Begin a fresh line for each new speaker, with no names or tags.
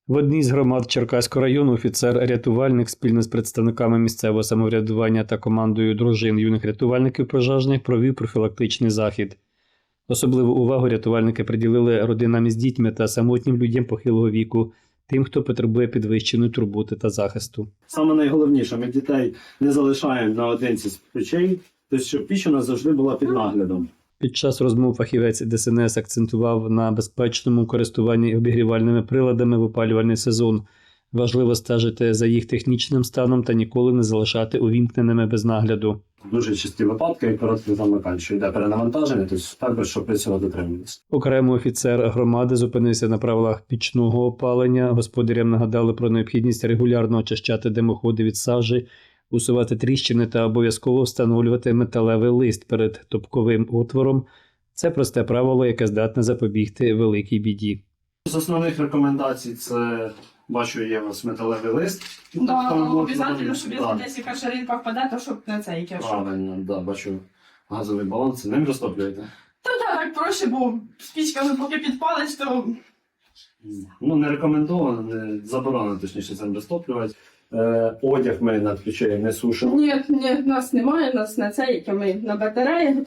В одній з громад Черкаського району офіцер-рятувальник спільно з представниками місцевого самоврядування та командою дружин юних рятувальників пожежних провів профілактичний захід. Особливу увагу рятувальники приділили родинам із дітьми та самотнім людям похилого віку, тим, хто потребує підвищеної турботи та захисту.
Саме найголовніше, ми дітей не залишаємо наодинці з печей, тобто щоб піч у нас завжди була під наглядом.
Під час розмов фахівець ДСНС акцентував на безпечному користуванні обігрівальними приладами в опалювальний сезон. Важливо стежити за їх технічним станом та ніколи не залишати увімкненими без нагляду.
Дуже часті випадки і короткий замикань, що йде перенавантаження, тобто також, щоб при цього дотримуватися.
Окремо офіцер громади зупинився на правилах пічного опалення. Господарям нагадали про необхідність регулярно очищати димоходи від сажі, усувати тріщини та обов'язково встановлювати металевий лист перед топковим отвором. Це просте правило, яке здатне запобігти великій біді.
З основних рекомендацій це, бачу, є у вас металевий лист.
Да,
Там
обов'язково, щоб
да,
десь яка шаринка впаде, то щоб на цей кеш.
правильно, да, бачу газовий балон, це ним розтоплюєте?
Та так проще, бо з пічками поки підпалиш, то
Ну, не рекомендовано, не заборонено, точніше, цим розтоплювати. Одяг ми над печею не сушимо.
ні, в нас немає, в нас на цей, яке ми на батареї